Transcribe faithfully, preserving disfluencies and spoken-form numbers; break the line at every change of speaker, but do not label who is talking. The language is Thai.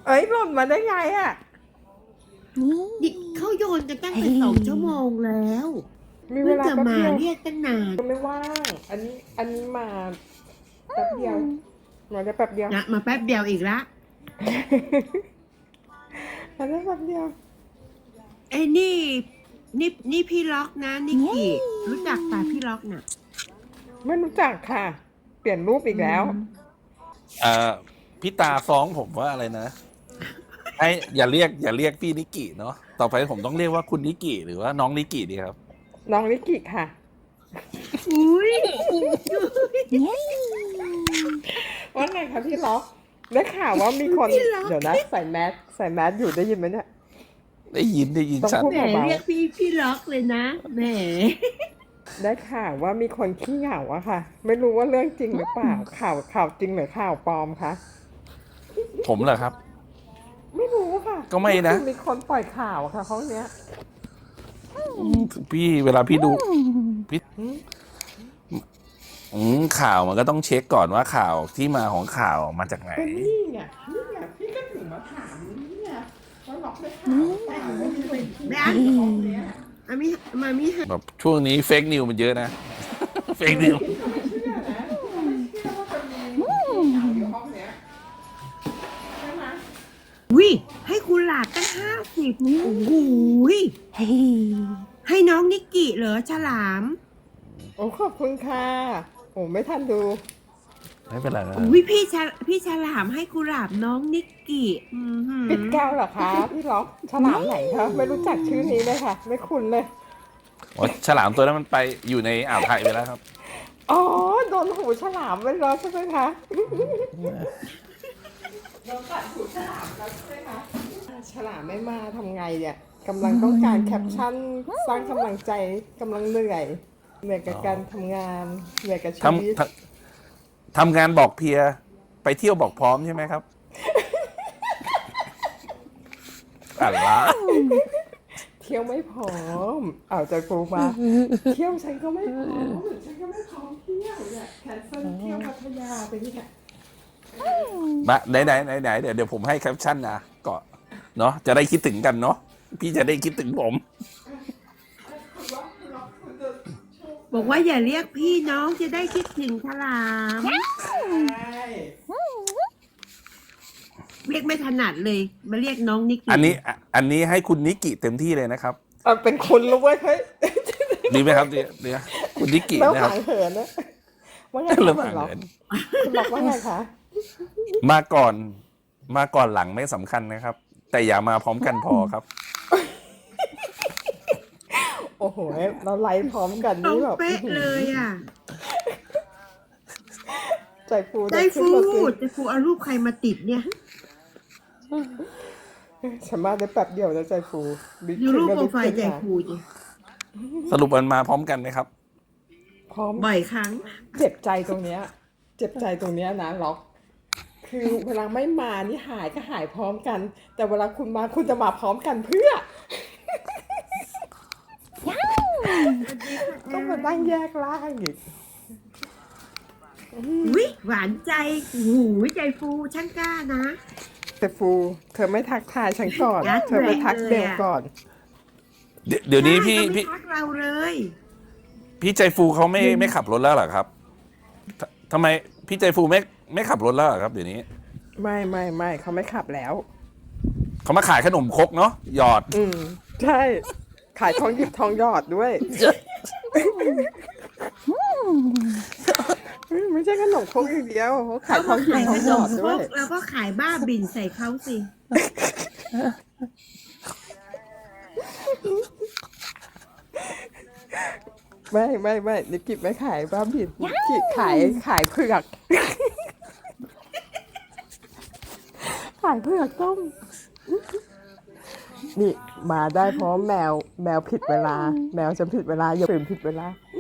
เอ้ยหล่นมาได้ไงอ่ะ
นี่เขาโยนกันตั้งแต่สองชั่วโมงแล้ว
มีเว
เพิ่ง
ลา
จะ
แป๊บ
มา
เดียว
เรียกตั้งนาน
ก็ไม่ว่างอันนี้อันนี้มาแป๊บเดียวมาได้แป๊บเดียว
นะมาแป๊บเดียวอีกละ
มาได้แป๊บเดียว
ไอ้นี่นี่นี่พี่ล็อกนะนิกกี้รู้จักป่ะพี่ล็อกน่ะ
ไม่รู้จักค่ะ เปลี่ยนรูปอีกแล้ว
เอ่อพี่ตาฟ้องผมว่าอะไรนะไอ้อย่าเรียกอย่าเรียกพี่นิกิเนาะต่อไปผมต้องเรียกว่าคุณนิกิหรือว่าน้องนิกิดีครับ
น้องนิกิค่ะ
อุ้ย
ว่าไงคะพี่ล็อกได้ข่าวว่ามีคนเดี๋ยวนะใส่แมสใส่แมสอยู่ได้ยินไหมเนี่ย
ได้ยินได้ยิน
ต้อง
ชัด
พูด
แหมเรียกพี่พี่ล็อกเลยนะแหม
ได้ข่าวว่ามีคนขี้เหงาอะค่ะ ไม่รู้ว่าเรื่องจริงหรือเปล่าข่าวข่าวจริงหรือข่าวปลอมคะ
ผมเหรอครับ
ไม่รู้ค่ะ
ก็ไม่นะ
คือมีคนปล่อยข่าวอะค่ะห้องเนี้ย
อืมพี่เวลาพี่ดูพี่อืมข่าวมันก็ต้องเช็คก่อนว่าข่าวที่มาของข่าวมาจากไหน
ก็นี่ไงนี่ไงพี่ก็ถึงมาถามนี่ไงว่าล็อกได้ข่าวเปล่าว่ามีคนขี้เห
แม่
งา
อัน
ห้องเนี้ย
อามิมามิฮะ
แบบช่วงนี้เฟกนิวมันเยอะนะ เฟกนิว
พี่ก็ไม่เชื่อนะพี่ก็ไม่เชื่อว่าจะมีขี้เหงาอยู่ห้องเนี้ยใช่ไหม
วิให้คุณหลาดตั้งห้าสิบโอ้โหยให้น้องนิกกี้เหรอฉลาม
โอ้ขอบคุณค่ะโอ้ไม่ทันดู
ไม่เป็นไรนะ
อุ้ยพี่ฉลพี่ฉลามให้กุหลาบน้องนิกกี้อือหือ
ปิดแก้วเหรอคะพี่ล็อกฉลามไหนคะไม่รู้จักชื่อนี้เลยค่ะ ไม่คุ้นเลย
อ๋อฉลามตัวนั้นมันไปอยู่ในอ่าวไทยไปแล้วครับ
อ๋อโดนหูฉลามไปแล้วใช่ไหมคะโดนกัดหูฉลามแล้วใช่ไหมคะฉลามไม่มาทำไงเนี่ยกำลังต้องการแคปชั่นสร้างกำลังใจกำลังเหนื่อยเหนื่อยกับการทำงานเหนื่อยกับชีวิต
ทำทำทำงานบอกเพลีย ไปเที่ยวบอกพร้อมใช่ไหมครับ อะไรวะ
เที่ยวไม่พร้อมเอาใจปูมา เที่ยวฉันก็ไม่พร้อมฉันก็ไม่พร้อมเที่ยวเนี่ยแคนเซิลเที่ยวพัทยาไปนี่แหละ
มาไหนไหนไหนไหนเดี๋ยวเดี๋ยวผมให้แคปชั่นนะก็เนาะจะได้คิดถึงกันเนาะพี่จะได้คิดถึงผม
บอกว่าอย่าเรียกพี่น้องจะได้คิดถึงฉลาม
ใช่
เรียกไม่ถนัดเลยมาเรียกน้องนิกกี้
อันนี้อ่ะอันนี้ให้คุณนิกิเต็มที่เลยนะครับ
เอาเป็นคุณรู้ไว้ยเฮ้ย
ดีไหมครับเดี๋ยวเดี๋ยวคุณนิกิ
แล้ว
นะครับ
ห่างเหินนะว่าไง
เริ่ม
คะ
ห่าง
คุณล็อก
เหิน
คุณล็อกว่าไงคะ
มาก่อน มาก่อนหลังไม่สำคัญนะครับ แต่อย่ามาพร้อมกันพอครับ
โอ้โหเราไลฟ์พร้อมกัน
ตร
นี่
ง
แบบ
เป๊ะเลยอ่ะ
ใจฟู
ใจ
ได้ขึ้น
ฟู
มาสิ
ใจฟูเอารูปใครมาติดเนี่ย
ฉันมาได้แป๊บเดียวแล้วใจฟูบิ๊ก
ดูรูป
ขึ้น
โปร
ก็
ไฟล์ใจ
ลุกขึ้นมา
ฟูจิ
สรุปมันมาพร้อมกันไหมครับ
พร้อม
บ่อยครั้ง
เจ็บใจตรงเนี้ย เจ็บใจตรงเนี้ยนะล็อก คือเวลาไม่มานี่หายก็หายพร้อมกัน แต่เวลาคุณมาคุณจะมาพร้อมกันเพื่อ ต้องมานั่งแยกล่างอีก
อุ้ยหวานใจหูยใจฟูช่างกล้านะ
แต่ฟู เธอไม่ทักทายฉันก่อน
ยัด
เธอไปทัก
แรง
เบ
เลย
ล
อะ
ก่อน
เดี๋ยวเดี๋ยวนี้พี่
ใช่เขาไม่
พี่
ทักเราเลย
พี่ใจฟูเขาไม่ไม่ขับรถแล้วเหรอครับททำไมพี่ใจฟูไม่ไม่ขับรถแล้วเหรอครับเดี๋ยวนี้
ไม่ไม่ไม่เขาไม่ขับแล้ว
เขามาขายขนมครกเนาะหยอด
อืม ใช่ ขายทองหยิบทองหยอดด้วย ไม่ใช่ขนมครกอย่างเดียวเขาขายทองหยิบ
ขาย
ท
ข
อง
น
หยอ
ม
ด
ค
ด้
ร
วย
กแล้วก็ขายบ้าบินใส่เขาสิ
ไม่ไม่ไม่นิกกิไม่ขายบ้าบินนิกกิขายขายเผือก ขายเผือกต้ม นี่มาได้เพราะแมวแมวผิดเวลา แมวจะผิดเวลาอย่าตื่นผิดเวลา